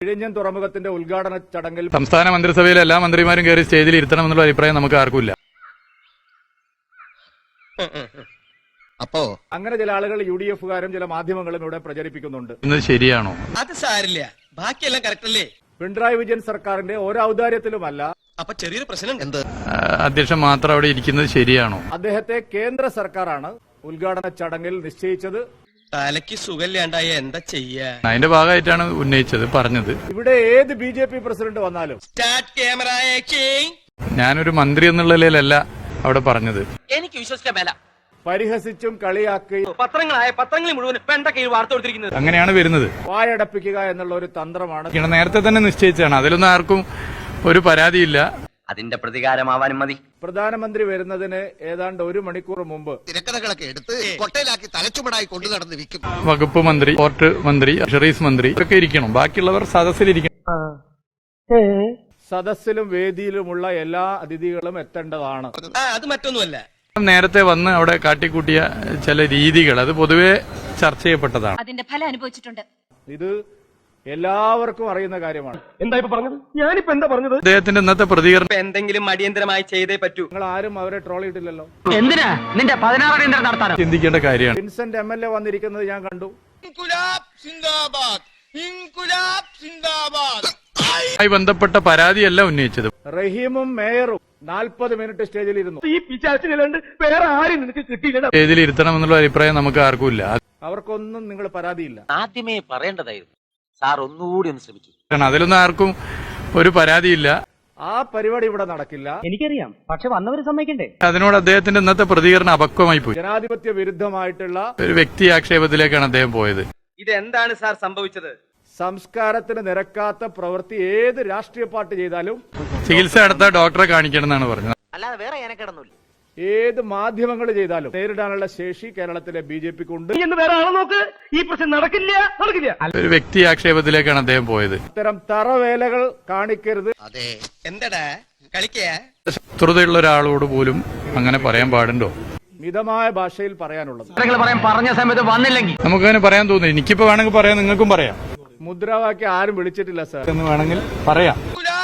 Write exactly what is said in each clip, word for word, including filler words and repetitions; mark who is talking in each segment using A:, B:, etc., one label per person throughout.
A: വിഴിഞ്ഞം തുറമുഖത്തിന്റെ ഉദ്ഘാടന ചടങ്ങിൽ
B: സംസ്ഥാന മന്ത്രിസഭയിലെ എല്ലാ മന്ത്രിമാരും കയറി സ്റ്റേജിൽ ഇരുത്തണമെന്നുള്ള അഭിപ്രായം നമുക്ക് ആർക്കുമില്ല.
C: അപ്പോ
A: അങ്ങനെ ചില ആളുകൾ യു ഡി എഫുകാരും ചില മാധ്യമങ്ങളും ഇവിടെ പ്രചരിപ്പിക്കുന്നുണ്ട്.
B: ഇന്നത് ശരിയാണോ?
C: അത് സാരില്ല, ബാക്കിയെല്ലാം കറക്റ്റ് അല്ലേ?
A: പിണറായി വിജയൻ സർക്കാരിന്റെ ഒരു ഔദാര്യത്തിലുമല്ല.
C: അപ്പൊ ചെറിയൊരു പ്രശ്നം എന്ത്?
B: അധ്യക്ഷൻ മാത്രം അവിടെ ഇരിക്കുന്നത് ശരിയാണോ?
A: അദ്ദേഹത്തെ കേന്ദ്ര സർക്കാരാണ് ഉദ്ഘാടന ചടങ്ങിൽ നിശ്ചയിച്ചത്.
C: തലയ്ക്ക് സുഖമില്ലാണ്ടായ എന്താ ചെയ്യാ?
B: അതിന്റെ ഭാഗമായിട്ടാണ് ഉന്നയിച്ചത് പറഞ്ഞത്.
A: ഇവിടെ ഏത് ബി ജെ പി പ്രസിഡന്റ് വന്നാലും
C: സ്റ്റാർട്ട് ക്യാമറ ആക്ഷൻ.
B: ഞാനൊരു മന്ത്രി എന്നുള്ള നിലയിലല്ല അവിടെ പറഞ്ഞത്.
C: എനിക്ക് വിശ്വസിക്കാൻ മേല.
A: പരിഹസിച്ചും കളിയാക്കുകയും
C: പത്രങ്ങളായ പത്രങ്ങളിൽ മുഴുവൻ പെണ്ട കീഴ് വാർത്ത കൊടുത്തിരിക്കുന്നത്
B: അങ്ങനെയാണ് വരുന്നത്.
A: വായടപ്പിക്കുക എന്നുള്ള ഒരു തന്ത്രമാണ്.
B: നേരത്തെ തന്നെ നിശ്ചയിച്ചാണ്. അതിലൊന്നും ആർക്കും ഒരു പരാതിയില്ല.
D: അതിന്റെ പ്രതികാരമാവാനും മതി.
A: പ്രധാനമന്ത്രി വരുന്നതിന് ഏതാണ്ട് ഒരു മണിക്കൂർ മുമ്പ്
E: തിരക്കഥകളൊക്കെ എടുത്ത് കൊട്ടയിലാക്കി തലച്ചുമടായി കൊണ്ടു നടന്ന് വിൽക്കും.
B: വകുപ്പ് മന്ത്രി, പോർട്ട് മന്ത്രി, ഫിഷറീസ് മന്ത്രി ഒക്കെ ഇരിക്കണം. ബാക്കിയുള്ളവർ സദസ്സിലിരിക്കണം.
A: സദസ്സിലും വേദിയിലുമുള്ള എല്ലാ അതിഥികളും എത്തേണ്ടതാണ്.
C: അത് മറ്റൊന്നുമല്ല.
B: നേരത്തെ വന്ന് അവിടെ കാട്ടിക്കൂട്ടിയ ചില രീതികൾ അത് പൊതുവെ ചർച്ച ചെയ്യപ്പെട്ടതാണ്.
F: അതിന്റെ ഫലം അനുഭവിച്ചിട്ടുണ്ട്.
A: ഇത് എല്ലാവർക്കും അറിയുന്ന കാര്യമാണ്.
C: എന്താ ഇപ്പൊ പറഞ്ഞത്? ഞാനിപ്പോ എന്താ പറഞ്ഞത്?
B: അദ്ദേഹത്തിന്റെ ഇന്നത്തെ പ്രതികരണം
C: എന്തെങ്കിലും അടിയന്തരമായി ചെയ്തേ പറ്റൂ.
A: നിങ്ങൾ ആരും അവരെ ട്രോൾ ചെയ്തില്ലല്ലോ.
C: എന്തിനാ നിന്റെ പതിനാറ് അടിയന്തരം നടത്താനോ?
B: ചിന്തിക്കേണ്ട കാര്യമാണ്.
A: വിൻസെന്റ് എം എൽ എ വന്നിരിക്കുന്നത് ഞാൻ കണ്ടു.
B: ായി ബന്ധപ്പെട്ട പരാതിയല്ല ഉന്നയിച്ചത്.
A: റഹീമും മേയറും നാൽപ്പത് മിനിറ്റ് സ്റ്റേജിൽ ഇരുന്നു.
C: ഈ പിശാചിനിലുണ്ട് വേറെ ആരും നിനക്ക് കിട്ടിയില്ല.
B: സ്റ്റേജിൽ ഇരുത്തണമെന്നുള്ള അഭിപ്രായം നമുക്ക് ആർക്കുമില്ല.
A: അവർക്കൊന്നും നിങ്ങൾ പരാതിയില്ല.
D: ആദ്യമേ പറയേണ്ടതായിരുന്നു. സാർ ഒന്നുകൂടി ഒന്ന് ശ്രമിച്ചു.
B: അതിലൊന്നും ആർക്കും ഒരു പരാതിയില്ല.
A: ആ പരിപാടി ഇവിടെ നടക്കില്ല.
G: എനിക്കറിയാം, പക്ഷെ വന്നവര് സമ്മതിക്കണ്ടേ?
B: അതിനോട് അദ്ദേഹത്തിന്റെ ഇന്നത്തെ പ്രതികരണം അപക്വമായി പോയി.
A: ജനാധിപത്യ വിരുദ്ധമായിട്ടുള്ള
B: ഒരു വ്യക്തി ആക്ഷേപത്തിലേക്കാണ് അദ്ദേഹം പോയത്.
C: ഇതെന്താണ് സാർ സംഭവിച്ചത്?
A: സംസ്കാരത്തിന് നിരക്കാത്ത പ്രവൃത്തി ഏത് രാഷ്ട്രീയ പാർട്ടി ചെയ്താലും
B: ചികിത്സ നടത്താൻ ഡോക്ടറെ കാണിക്കണം എന്നാണ് പറഞ്ഞത്.
D: അല്ലാതെ വേറെ ഞാനക്കിടന്നില്ല.
A: ഏത് മാധ്യമങ്ങൾ ചെയ്താലും നേരിടാനുള്ള ശേഷി കേരളത്തിലെ ബി ജെ പിക്ക് ഉണ്ട്.
C: എന്ന് വേറെ ആളെ നോക്ക്. ഈ പ്രശ്നം നടക്കില്ല നടക്കില്ല.
B: ഒരു വ്യക്തി ആക്ഷേപത്തിലേക്കാണ് അദ്ദേഹം പോയത്.
A: ഇത്തരം തറവേലകൾ കാണിക്കരുത്.
E: അതെ,
C: എന്താടാ കളിക്കേ?
B: ശത്രുതയുള്ള ഒരാളോട് പോലും അങ്ങനെ പറയാൻ പാടുണ്ടോ?
A: മിതമായ ഭാഷയിൽ പറയാനുള്ളത്.
G: പറഞ്ഞ സമയത്ത് വന്നില്ലെങ്കിൽ
B: നമുക്കങ്ങനെ പറയാൻ തോന്നുന്നു. എനിക്കിപ്പോ വേണമെങ്കിൽ പറയാം, നിങ്ങൾക്കും പറയാം.
A: മുദ്രാവാക്യം ആരും വിളിച്ചിട്ടില്ല സാർ
B: എന്ന് വേണമെങ്കിൽ പറയാം.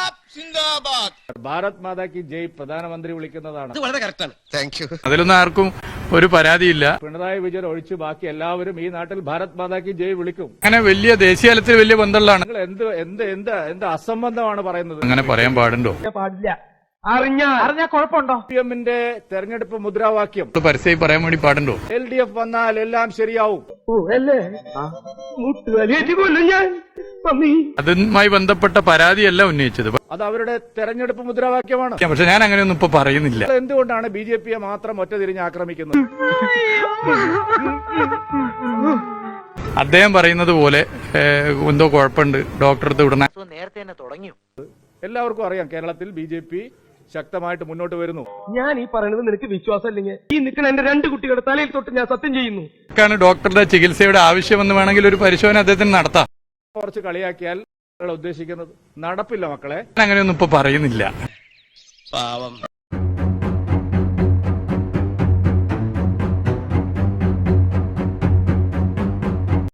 A: ഭാരത് മാതാ കി ജയ് പ്രധാനമന്ത്രി വിളിക്കുന്നതാണ്.
C: ഇത് വളരെ കറക്റ്റാണ്.
E: Thank you.
B: അതിലൊന്നും ആർക്കും ഒരു പരാതിയില്ല.
A: പിണറായി വിജയൻ ഒഴിച്ച് ബാക്കി എല്ലാവരും ഈ നാട്ടിൽ ഭാരത് മാതാ കി ജയ് വിളിക്കും.
B: അങ്ങനെ വലിയ ദേശീയ തലത്തിൽ വലിയ ബന്ധമുള്ളതാണ്.
A: നിങ്ങൾ എന്ത് എന്ത് എന്ത് എന്ത് അസംബന്ധമാണ് പറയുന്നത്?
B: അങ്ങനെ പറയാൻ പാടുണ്ടോ?
C: പാടില്ല. അറിഞ്ഞ അറിഞ്ഞ കുഴപ്പമുണ്ടോ?
A: സി എമ്മിന്റെ തെരഞ്ഞെടുപ്പ് മുദ്രാവാക്യം
B: പരസ്യമായി പറയാൻ വേണ്ടി പാടുണ്ടോ?
A: എൽ ഡി എഫ് വന്നാൽ എല്ലാം ശരിയാവും.
B: അതുമായി ബന്ധപ്പെട്ട പരാതിയല്ല ഉന്നയിച്ചത്.
A: അത് അവരുടെ തെരഞ്ഞെടുപ്പ് മുദ്രാവാക്യമാണ്.
B: പക്ഷെ ഞാൻ അങ്ങനെയൊന്നും ഇപ്പൊ പറയുന്നില്ല.
A: എന്തുകൊണ്ടാണ് ബി ജെ പിയെ മാത്രം ഒറ്റ തിരിഞ്ഞ് ആക്രമിക്കുന്നത്?
B: അദ്ദേഹം പറയുന്നത് പോലെ എന്തോ കുഴപ്പമുണ്ട്, ഡോക്ടറെ അടുത്ത് വിടണം.
D: നേരത്തെ തന്നെ തുടങ്ങിയോ?
A: എല്ലാവർക്കും അറിയാം കേരളത്തിൽ ബി ജെ പി ശക്തമായിട്ട് മുന്നോട്ട് വരുന്നു.
C: ഞാൻ ഈ പറയുന്നത് നിനക്ക് വിശ്വാസം ഇല്ലെങ്കിൽ ഈ നിൽക്കുന്ന എന്റെ രണ്ട് കുട്ടികളുടെ തലയിൽ തൊട്ട് ഞാൻ സത്യം ചെയ്യുന്നു.
B: ഡോക്ടറുടെ ചികിത്സയുടെ ആവശ്യമെന്ന് വേണമെങ്കിൽ ഒരു പരിശോധന അദ്ദേഹത്തിന് നടത്താം.
A: കുറച്ച് കളിയാക്കിയാൽ ഉദ്ദേശിക്കുന്നത് നടപ്പില്ല മക്കളെ.
B: അങ്ങനെയൊന്നും ഇപ്പൊ പറയുന്നില്ല.
C: പാവം.